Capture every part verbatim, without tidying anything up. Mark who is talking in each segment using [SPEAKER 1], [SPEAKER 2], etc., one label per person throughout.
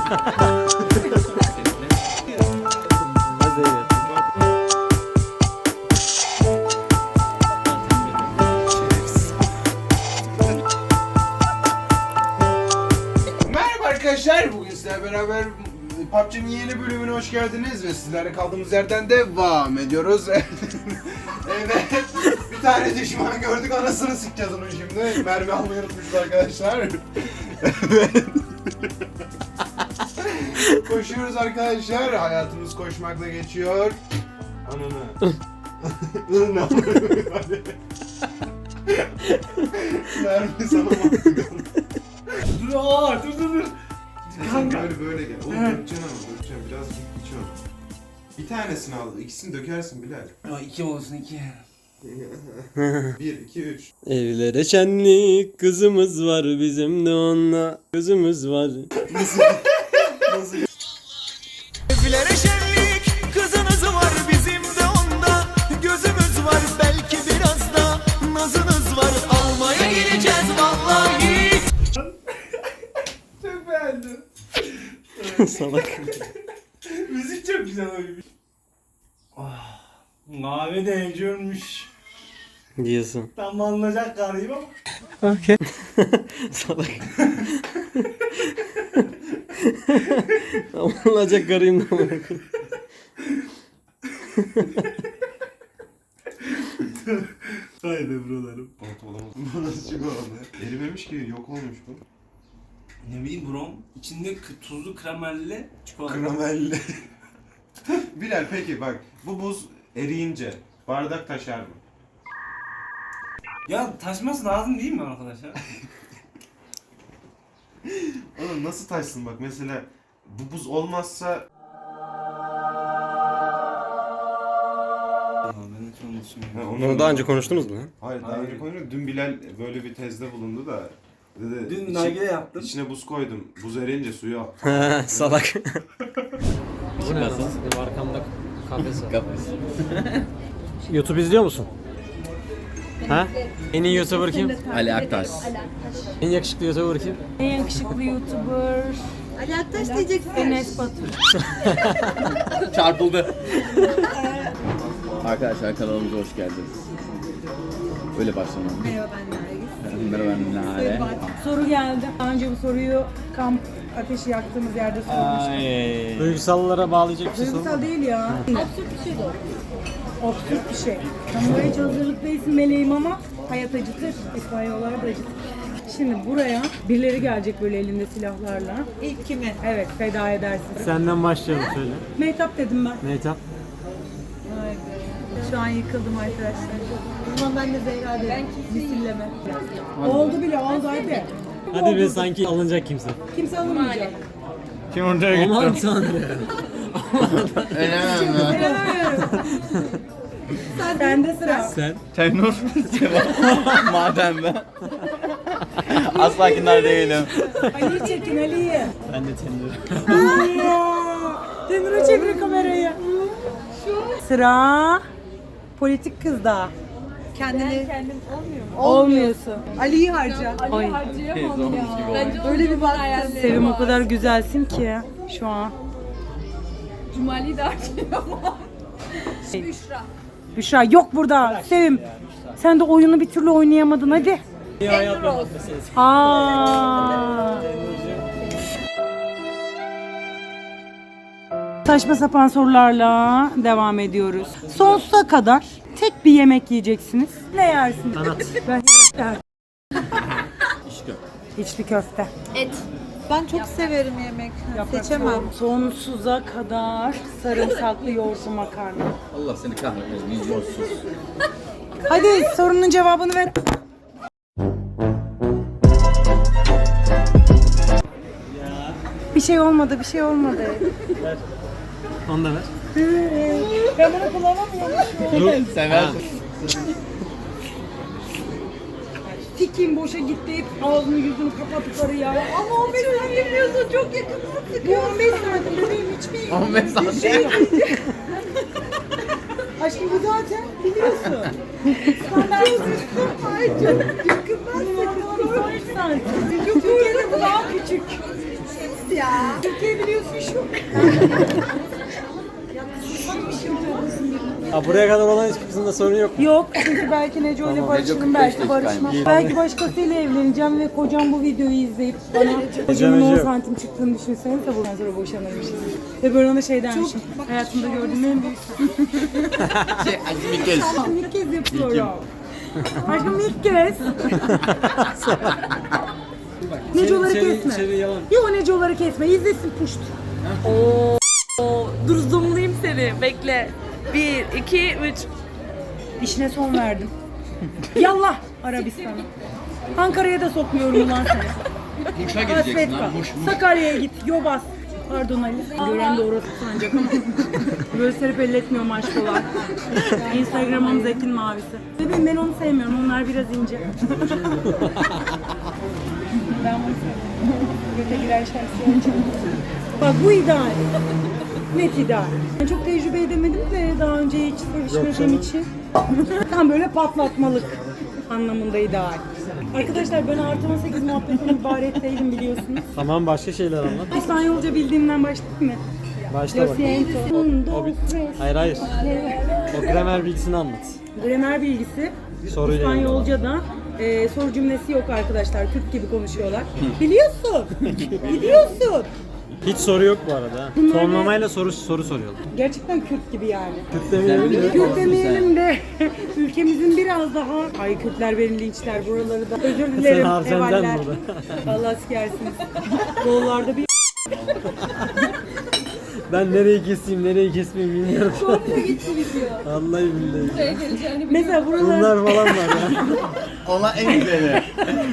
[SPEAKER 1] Merhaba arkadaşlar, bugün sizlerle beraber P U B G'nin yeni bölümüne hoş geldiniz ve sizlerle kaldığımız yerden devam ediyoruz. Evet, bir tane düşman gördük, anasını sikeceğiz onu şimdi. Mermi almayı unutmuşuz arkadaşlar. Evet. Koşuyoruz arkadaşlar, hayatımız koşmakla geçiyor. Ananı. Ne yapıyorsun? Mermi sana baktık.
[SPEAKER 2] Dur aa, dur dur dur.
[SPEAKER 1] Kanka. Böyle böyle gel. Oğlum dökeceksin ama dökeceksin. Biraz iç onu. Bir tanesini al. İkisini dökersin Bilal.
[SPEAKER 2] Ya iki olsun iki.
[SPEAKER 1] Bir, iki, üç.
[SPEAKER 3] Evlere şenlik kızımız var bizim de onunla gözümüz var.
[SPEAKER 1] Nasıl? Nasıl?
[SPEAKER 4] Evlere şenlik kızınız var bizim de onda gözümüz var belki biraz da nazınız var almaya geleceğiz vallahi.
[SPEAKER 2] Çok beğendim.
[SPEAKER 3] Salak.
[SPEAKER 2] Müzik çok güzel oymuş. Ah, mavi de evciymiş.
[SPEAKER 3] Diyorsun.
[SPEAKER 2] Tam anlayacak garip ama.
[SPEAKER 3] Okey. Salak. Olacak garıyım da amına koyayım.
[SPEAKER 2] Haydi buralarım.
[SPEAKER 1] Pantolon. Bu nasıl çıkıyor abi? Erimemiş ki, yok olmuş bu.
[SPEAKER 2] Ne bileyim brom. İçinde k- tuzlu kremelli çikolata.
[SPEAKER 1] Kramelli. Bilal peki bak, bu buz eriyince bardak taşar mı?
[SPEAKER 2] Ya taşması lazım değil mi arkadaşlar?
[SPEAKER 1] Oğlum nasıl taşsın bak, mesela bu buz olmazsa...
[SPEAKER 2] Ya ben hiç onu düşünmüyorum.
[SPEAKER 1] Ha,
[SPEAKER 3] Onu daha önce konuştunuz mu lan?
[SPEAKER 1] Hayır, daha
[SPEAKER 2] Hayır.
[SPEAKER 1] önce konuştuk. Dün Bilal böyle bir tezde bulundu da dedi,
[SPEAKER 2] Dün
[SPEAKER 1] içi-
[SPEAKER 2] nargile yaptım.
[SPEAKER 1] İçine buz koydum. Buz eriyince suyu al.
[SPEAKER 3] Salak. Bizim benim arkamda kafes var. YouTube izliyor musun? Ha? En iyi YouTuber kim?
[SPEAKER 5] Ali Aktaş.
[SPEAKER 3] En yakışıklı YouTuber kim?
[SPEAKER 6] En yakışıklı YouTuber
[SPEAKER 7] Ali Aktaş diyeceksin.
[SPEAKER 6] Enes Batur.
[SPEAKER 5] Çarpıldı. Arkadaşlar kanalımıza hoş geldiniz. Böyle başlamam.
[SPEAKER 7] Merhaba ben Nergis.
[SPEAKER 5] Merhaba ben Nare.
[SPEAKER 6] Soru geldi. Daha önce bu soruyu kamp ateşi yaktığımız yerde sormuştum.
[SPEAKER 3] Duygusallara bağlayacak bir şey sorun.
[SPEAKER 6] Duygusal değil ya.
[SPEAKER 7] Absürt bir şey de olur.
[SPEAKER 6] Absürt bir şey. Kamuoya hiç hazırlık değilsin meleğim ama hayat acıtır. İspanyollar da acıtır. Şimdi buraya birileri gelecek böyle elinde silahlarla.
[SPEAKER 7] İlk kimi?
[SPEAKER 6] Evet, feda edersin.
[SPEAKER 3] Senden başlayalım söyle.
[SPEAKER 6] Mehtap dedim ben.
[SPEAKER 3] Mehtap.
[SPEAKER 7] Haydi. Şu an yıkıldım arkadaşlar. O zaman ben de Zehra derim. Ben misilleme.
[SPEAKER 6] Oldu bile, oldu hadi.
[SPEAKER 3] Hadi be, sanki alınacak kimse.
[SPEAKER 6] Kimse alınmayacak.
[SPEAKER 3] Kim oraya gitti? Aman tanrım.
[SPEAKER 6] Sende sıra.
[SPEAKER 3] Sen?
[SPEAKER 5] Tenur. Madem ben. Asla değilim.
[SPEAKER 6] Ali'yi çekin, Ali'yi.
[SPEAKER 3] Ben de Tenur.
[SPEAKER 6] Tenur'a çevir kamerayı. Sıra politik kızda.
[SPEAKER 7] Kendini
[SPEAKER 6] Kendim olmuyorsun.
[SPEAKER 7] Ali'yi harca.
[SPEAKER 6] Oy.
[SPEAKER 5] Zormuş gibi oldu.
[SPEAKER 7] Öyle bir baktım.
[SPEAKER 6] Sevim o kadar güzelsin ki şu an.
[SPEAKER 7] Cumali'yi de harcıyor. Büşra.
[SPEAKER 6] Büşra yok burada. Sevim. Sen de oyunu bir türlü oynayamadın hadi.
[SPEAKER 7] Tenur olsun.
[SPEAKER 6] Aa. Saçma sapan sorularla devam ediyoruz. Sonsuza kadar tek bir yemek yiyeceksiniz. Ne yersiniz? Ben İçli köfte.
[SPEAKER 7] Et. Ben çok severim yemek. Seçemem.
[SPEAKER 6] Sonsuza kadar sarımsaklı yoğurtlu makarna.
[SPEAKER 5] Allah seni kahretmesin. Vizyonsuz.
[SPEAKER 6] Hadi sorunun cevabını ver. Bir şey olmadı, bir şey olmadı.
[SPEAKER 3] Onu da ver.
[SPEAKER 6] Ben bunu kullanamıyorum.
[SPEAKER 5] Sever.
[SPEAKER 6] Tikim boşa gitti hep ağzını yüzünü kapattıkları ya. Ama on beş santim diyorsun çok yakından sıkıyor. on beş santim bebeğim hiçbir
[SPEAKER 5] on beş santim.
[SPEAKER 6] şey Aşkım bu zaten biliyorsun. Standart. Ay çok yakından sıkıyor. on beş santim. Türkiye'de bu daha küçük. ya. Türkiye biliyorsun şu.
[SPEAKER 3] Ha, buraya kadar olan hiçbirisinde sorun yok mu?
[SPEAKER 6] Yok çünkü belki Neco ile barışırım, belki barışmam. Belki başkasıyla evleneceğim ve kocam bu videoyu izleyip bana kocamın on
[SPEAKER 3] Neco.
[SPEAKER 6] santim çıktığını düşünsenize bundan sonra boşanırmışız. Ve böyle ona şey dermişim. Hayatımda gördüğüm en büyük
[SPEAKER 5] Şey, acı bir kez.
[SPEAKER 6] Aşkım ilk kez yapıyorum. Aşkım ilk kez. Necoları kesme. Yok Necoları kesme. İzlesin puşt.
[SPEAKER 7] Oo, dur zoomlayayım seni. Bekle. Bir, iki, üç.
[SPEAKER 6] İşine son verdim. Yallah Arabistan'a. Ankara'ya da sokmuyorum ulan seni.
[SPEAKER 5] Muş'a gideceksin
[SPEAKER 6] Hasret
[SPEAKER 5] ha.
[SPEAKER 6] kal.
[SPEAKER 5] Muş, Muş.
[SPEAKER 6] Sakarya'ya git. Yobaz. Pardon Ali. Gören de orası sanacak ama. Böyle serip elletmiyorum aşkolar. Instagram'ım Zekin Mavisi. Bebeğim ben onu sevmiyorum. Onlar biraz ince. Ben bunu seviyorum. Göte girer şarkısı. Bak bu ideal. Net ideal. Ben çok tecrübe edemedim de daha önce hiç sevişmediğim için. Tam böyle patlatmalık anlamında ideal. Arkadaşlar ben artı on sekiz muhabbetinden ibaret değilim biliyorsunuz.
[SPEAKER 3] Tamam, başka şeyler anlat.
[SPEAKER 6] İspanyolca bildiğimden başlayayım mı?
[SPEAKER 3] Başla
[SPEAKER 6] Lo
[SPEAKER 3] bak.
[SPEAKER 6] siento. Un, dos, tres.
[SPEAKER 3] Hayır hayır. O gramer bilgisini anlat.
[SPEAKER 6] Gramer bilgisi.
[SPEAKER 3] Soruyla ilgili.
[SPEAKER 6] İspanyolca'da e, soru cümlesi yok arkadaşlar. Türk gibi konuşuyorlar. Biliyorsun. Biliyorsun.
[SPEAKER 3] Hiç soru yok bu arada. ha.
[SPEAKER 6] Bunlar
[SPEAKER 3] Tonlamayla soru soru soruyorlar.
[SPEAKER 6] Gerçekten Kürt gibi yani.
[SPEAKER 3] Kürt demeyelim de.
[SPEAKER 6] Kürt demeyelim de ülkemizin biraz daha ay Kürtler beni linçler buraları da özür dilerim
[SPEAKER 3] harcayacaksın
[SPEAKER 6] evaller.
[SPEAKER 3] burada.
[SPEAKER 6] Vallahi sikersiniz. Yollarda bir
[SPEAKER 3] Ben nereyi keseyim, nereyi kesmeyeyim bilmiyorum.
[SPEAKER 6] komple gitti video.
[SPEAKER 3] Vallahi billahi.
[SPEAKER 6] Mesela buralar
[SPEAKER 3] Bunlar falan var ya.
[SPEAKER 5] Ona en güzeli.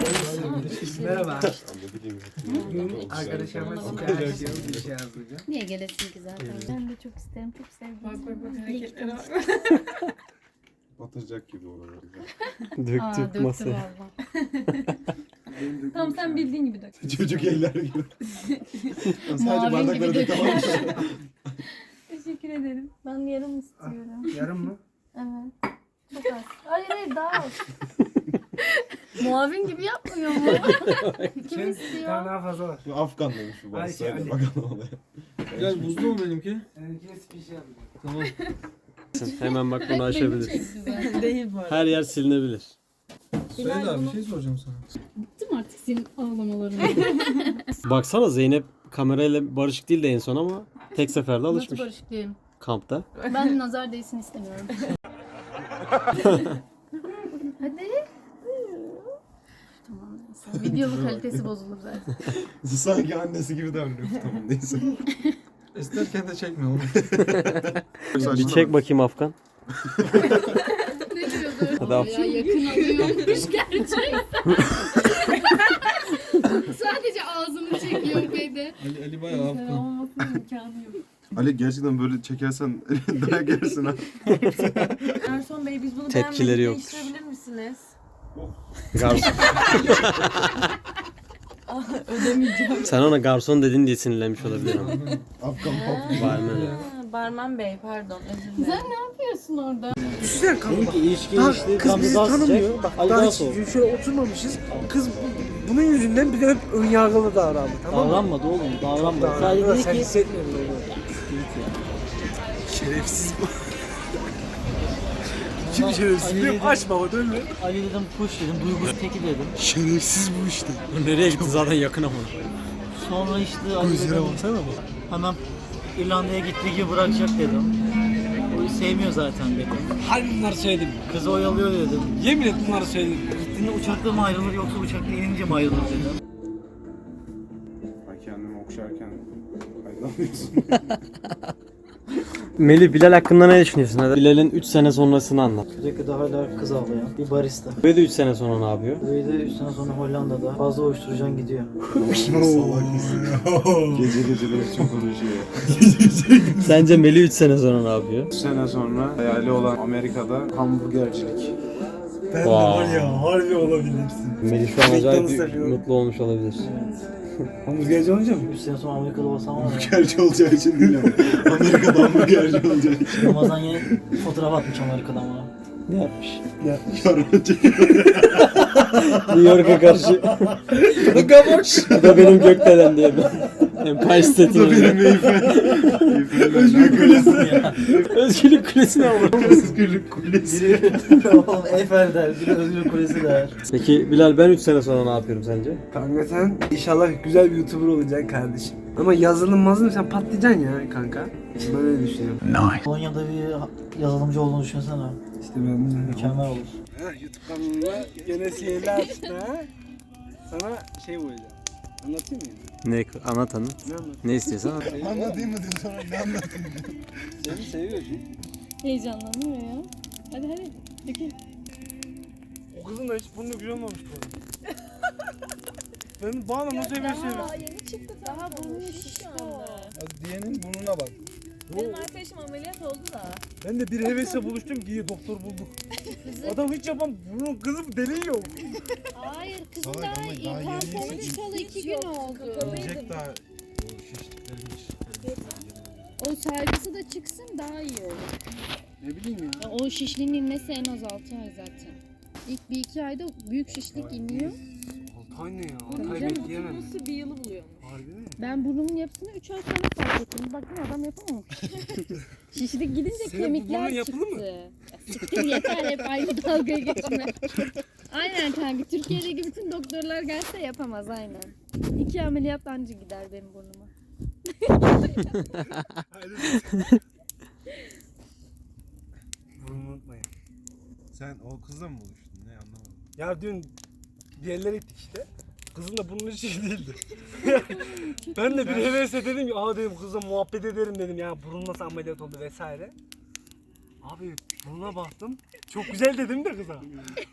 [SPEAKER 8] Niye gelesin ki zaten? Ben de çok isterim, çok sevdim. Bak bak bak hareketlere
[SPEAKER 1] Batacak gibi oraları.
[SPEAKER 3] Döktük masaya.
[SPEAKER 8] valla. Tamam sen bildiğin gibi dök.
[SPEAKER 1] Çocuk eller gibi. Sadece
[SPEAKER 8] Mavi
[SPEAKER 1] bardakları
[SPEAKER 8] gibi
[SPEAKER 1] da tamam.
[SPEAKER 8] Teşekkür ederim. Ben yarım istiyorum.
[SPEAKER 1] Yarım mı?
[SPEAKER 8] Evet. Çok az. Hayır hayır daha az. Muavin gibi yapmıyor mu? Kim istiyor?
[SPEAKER 9] Daha fazla var.
[SPEAKER 1] Bu Afgan demiş bu
[SPEAKER 9] Ay,
[SPEAKER 1] bas.
[SPEAKER 9] şey,
[SPEAKER 1] Hadi
[SPEAKER 9] Ali.
[SPEAKER 1] bakalım olaya.
[SPEAKER 3] Gel buzlu mu benimki?
[SPEAKER 9] Benimkine spişi yapacağım.
[SPEAKER 3] Tamam. Hemen bak bunu açabiliriz.
[SPEAKER 7] Değil bu arada.
[SPEAKER 3] Her yer silinebilir.
[SPEAKER 9] Söyle abi bir şey soracağım sana.
[SPEAKER 8] Bıktım artık senin ağlamalarını.
[SPEAKER 3] Baksana Zeynep kamerayla barışık değil de en son ama tek seferde
[SPEAKER 8] Nasıl
[SPEAKER 3] alışmış
[SPEAKER 8] barışık değilim?
[SPEAKER 3] kampta.
[SPEAKER 8] Ben nazar değsin istemiyorum. Hadi. Tamam neyse. Videonun kalitesi bozulur zaten.
[SPEAKER 1] Sanki annesi gibi davranıyor. Tamam neyse.
[SPEAKER 9] İsterken de çekme onu.
[SPEAKER 3] Bir çek bakayım Afgan.
[SPEAKER 8] Ne diyordu?
[SPEAKER 3] Hadi
[SPEAKER 8] Ya
[SPEAKER 3] Afgan.
[SPEAKER 8] yakın alıyormuş gerçekten. Sadece ağzını çekiyor beni.
[SPEAKER 9] Ali, Ali bayağı afgan.
[SPEAKER 8] Olmasının imkanı yok.
[SPEAKER 1] Ali gerçekten böyle çekersen dayak yersin ha.
[SPEAKER 7] Erson Bey biz bunu
[SPEAKER 3] Tepkileri
[SPEAKER 7] beğenmedik,
[SPEAKER 3] yoktur.
[SPEAKER 7] değiştirebilir misiniz?
[SPEAKER 3] Garson. Sen ona garson dedin diye sinirlenmiş olabilirim.
[SPEAKER 1] Afgan pop.
[SPEAKER 3] Var mı?
[SPEAKER 7] Ha, Barman Bey pardon özür dilerim.
[SPEAKER 8] Sen ne yapıyorsun orada?
[SPEAKER 9] Düşünsene kanka bak.
[SPEAKER 3] ilişki
[SPEAKER 9] Daha,
[SPEAKER 3] ilişki
[SPEAKER 9] kız bizi tanımıyor. Bak daha hiç şöyle oturmamışız. Kız bu- bunun yüzünden bir de hep önyargılı davrandı. Tamam mı?
[SPEAKER 3] Davranmadı oğlum, davranmadı.
[SPEAKER 9] Davrandı.
[SPEAKER 3] Sadece dedi
[SPEAKER 9] Sen
[SPEAKER 3] ki
[SPEAKER 9] hissetmiyordun onu. Şerefsiz bu. Kim şerefsiz?
[SPEAKER 3] Ali
[SPEAKER 9] Benim
[SPEAKER 3] dedim.
[SPEAKER 9] aç baba dönme.
[SPEAKER 3] Ali dedim kuş dedim, duygusu teki dedim.
[SPEAKER 9] Şerefsiz bu işte.
[SPEAKER 3] Nereye gitti zaten yakın ama.
[SPEAKER 10] Sonra işte Ali
[SPEAKER 9] Gözlere
[SPEAKER 10] dedim,
[SPEAKER 9] baksana bak.
[SPEAKER 10] hemen İrlanda'ya gittiği gibi bırakacak dedim. O sevmiyor zaten dedim.
[SPEAKER 3] Harbi bunları söyledim.
[SPEAKER 10] Kızı oyalıyor dedim.
[SPEAKER 3] Yemin et bunları söyledim.
[SPEAKER 10] Gittiğinde uçakta mı ayrılır yoksa uçakta inince mi ayrılır dedim.
[SPEAKER 1] Ben kendimi okşarken aydınlanıyorsun.
[SPEAKER 3] Melih, Bilal hakkında ne düşünüyorsun? Hadi Bilal'in üç sene sonrasını anlat.
[SPEAKER 10] Sürekli hala kız ağlayan bir barista.
[SPEAKER 3] Ve de üç sene sonra ne yapıyor?
[SPEAKER 10] Böyle de üç sene sonra Hollanda'da fazla uyuşturucan gidiyor.
[SPEAKER 1] Salak mısın? Gece geceleri çok konuşuyor.
[SPEAKER 3] Sence Melih üç sene sonra ne yapıyor?
[SPEAKER 1] üç sene sonra hayali olan Amerika'da hamburgercilik.
[SPEAKER 9] Ben
[SPEAKER 3] Wow.
[SPEAKER 9] de var ya harbi olabilirsin.
[SPEAKER 3] Melih şu an acayip
[SPEAKER 9] McDonald's
[SPEAKER 3] bir-
[SPEAKER 9] yapıyorum.
[SPEAKER 3] mutlu olmuş olabilir.
[SPEAKER 9] Hamburgerci olunca mı?
[SPEAKER 10] üç sene sonra Amerika'da basam ama
[SPEAKER 1] Hamburgerci olacağı için değil ama. Amerika'da hamburgerci olacağı için.
[SPEAKER 10] Ramazan yeni fotoğraf atmış Amerika'dan bana.
[SPEAKER 3] Ne yapmış?
[SPEAKER 1] Yarın çekiyor.
[SPEAKER 3] New York'a karşı. Bu da benim gökdelen diye. Empire State'in benim Özgürlük Kulesi. Özgürlük Kulesi ne olur?
[SPEAKER 1] Özgürlük Kulesi.
[SPEAKER 10] Oğlum Eiffel der, bir de Özgür Kulesi der.
[SPEAKER 3] Peki Bilal ben üç sene sonra ne yapıyorum sence?
[SPEAKER 9] Kanka sen inşallah güzel bir YouTuber olacaksın kardeşim. Ama yazılım mazılım sen patlayacaksın ya kanka. Ben öyle düşünüyorum.
[SPEAKER 10] Konya'da bir yazılımcı olduğunu düşünsene.
[SPEAKER 9] İşte ben de.
[SPEAKER 10] Mükemmel olur.
[SPEAKER 9] Ha, YouTube kanalına gene sihirli açtı ha. Sana şey koyacağım. Anlatayım mı?
[SPEAKER 3] Ne anlat hanım.
[SPEAKER 9] Ne anlatayım?
[SPEAKER 3] Ne istiyorsan anlat.
[SPEAKER 1] Anlatayım mı diyor sonra ne anlatayım diyor.
[SPEAKER 9] Seni seviyorsun.
[SPEAKER 8] Heyecanlanıyor ya. Hadi hadi. Dökül.
[SPEAKER 9] O kızın da hiç burnu güzel olmamış bu arada. Ben bana nasıl seviyor seviyor.
[SPEAKER 7] yeni çıktı. Daha burnu şişti o.
[SPEAKER 1] Diyenin burnuna bak.
[SPEAKER 7] Benim arkadaşım ameliyat oldu da.
[SPEAKER 9] Ben de bir hevesle buluştum ki iyi doktor bulduk. Adam hiç yapan bunun kızım deli yok.
[SPEAKER 8] Hayır kızım
[SPEAKER 1] Salak
[SPEAKER 8] daha
[SPEAKER 1] ama
[SPEAKER 8] iyi.
[SPEAKER 1] daha yeni
[SPEAKER 8] Tamponu
[SPEAKER 1] yeni-
[SPEAKER 8] çıkalı iki gün oldu.
[SPEAKER 1] Yiyecek daha o şişliklerin
[SPEAKER 8] O sargısı da çıksın daha iyi olur.
[SPEAKER 9] Ne bileyim ya.
[SPEAKER 8] Ya o şişliğin inmesi en az altı ay zaten. İlk bir iki ayda büyük şişlik iniyor.
[SPEAKER 9] Altay ne ya?
[SPEAKER 8] Tabii
[SPEAKER 9] Altay
[SPEAKER 8] canım.
[SPEAKER 9] bekleyemem.
[SPEAKER 7] Nasıl bir yılı buluyor?
[SPEAKER 9] Harbi mi?
[SPEAKER 8] Ben burnumun yapısını üç ay sonra fark ettim. Baktım adam yapamamış. Şişlik gidince
[SPEAKER 9] Senin bu
[SPEAKER 8] kemikler
[SPEAKER 9] burnun yapılı
[SPEAKER 8] çıktı.
[SPEAKER 9] mı?
[SPEAKER 8] Ya siktir yeter hep aynı dalgaya geçme. Aynen kanka. Türkiye'deki bütün doktorlar gelse yapamaz aynen. İki ameliyat anca gider benim burnuma.
[SPEAKER 9] Burnumu unutmayın.
[SPEAKER 1] Sen o kızla mı buluştun? Ne anlamadım.
[SPEAKER 9] Ya dün bir yerlere gittik işte. Kızın da bunun hiç iyi değildi. Ben de bir hevesle dedim ki aa dedim kızla muhabbet ederim dedim ya burun nasıl ameliyat oldu vesaire. Abi burnuna baktım. Çok güzel dedim de kıza.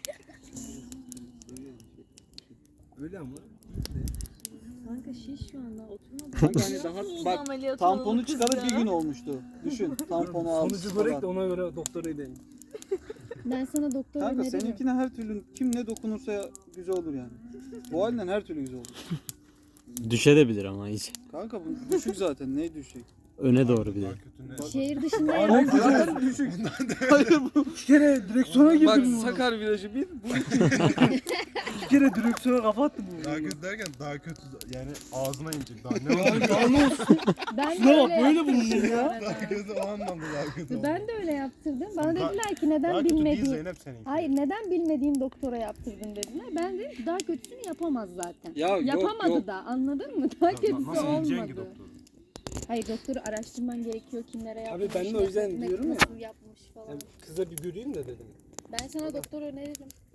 [SPEAKER 9] Öyle ama.
[SPEAKER 8] Kanka şiş şu anda oturmadı.
[SPEAKER 10] Kanka hani daha bak tamponu çıkarıp bir gün olmuştu. Düşün tamponu al.
[SPEAKER 9] Sonucu görek de ona göre doktora gidelim.
[SPEAKER 8] Ben sana doktor
[SPEAKER 11] Kanka
[SPEAKER 8] öneririm.
[SPEAKER 11] seninkine her türlü kim ne dokunursa güzel olur yani. Bu halinden her türlü güzel olur.
[SPEAKER 3] Düşebilir ama hiç.
[SPEAKER 11] Kanka bu düşük zaten neye düşecek?
[SPEAKER 3] öne doğru bir de.
[SPEAKER 8] Şehir dışında
[SPEAKER 11] Hayır zaten düşük. Hayır bu.
[SPEAKER 9] Bir kere direksiyona girdim.
[SPEAKER 11] Bak
[SPEAKER 9] bu.
[SPEAKER 11] Sakar virajı bir. Bu
[SPEAKER 9] Bir kere direksiyona kafa attım. bu.
[SPEAKER 1] Daha kötü derken daha kötü yani ağzına inecek daha ne olacak?
[SPEAKER 8] ben de
[SPEAKER 9] Şuna bak
[SPEAKER 8] öyle
[SPEAKER 9] böyle
[SPEAKER 8] yaptırdım
[SPEAKER 9] bulunur
[SPEAKER 8] bu
[SPEAKER 9] ya.
[SPEAKER 8] arada.
[SPEAKER 1] Daha kötü o anlamda daha kötü oldu.
[SPEAKER 8] Ben de öyle yaptırdım. Bana
[SPEAKER 1] Daha-
[SPEAKER 8] dediler ki
[SPEAKER 1] Daha
[SPEAKER 8] neden
[SPEAKER 1] kötü değil
[SPEAKER 8] bilmediğin...
[SPEAKER 1] Zeynep seninki.
[SPEAKER 8] Hayır neden bilmediğin doktora yaptırdın dediler. Ben de daha kötüsünü yapamaz zaten.
[SPEAKER 11] Ya yok,
[SPEAKER 8] Yapamadı
[SPEAKER 11] yok.
[SPEAKER 8] da anladın mı? Daha kötüsü
[SPEAKER 1] Nasıl ineceksin ki
[SPEAKER 8] olmadı.
[SPEAKER 1] doktoru?
[SPEAKER 8] Hayır doktoru araştırman gerekiyor kimlere
[SPEAKER 9] Abi
[SPEAKER 8] yapmış.
[SPEAKER 9] ben de o yüzden
[SPEAKER 8] nasıl-
[SPEAKER 9] diyorum ya.
[SPEAKER 8] Nasıl yapmış falan.
[SPEAKER 9] Kıza bir göreyim de dedim.
[SPEAKER 8] Ben sana doktor öneririm.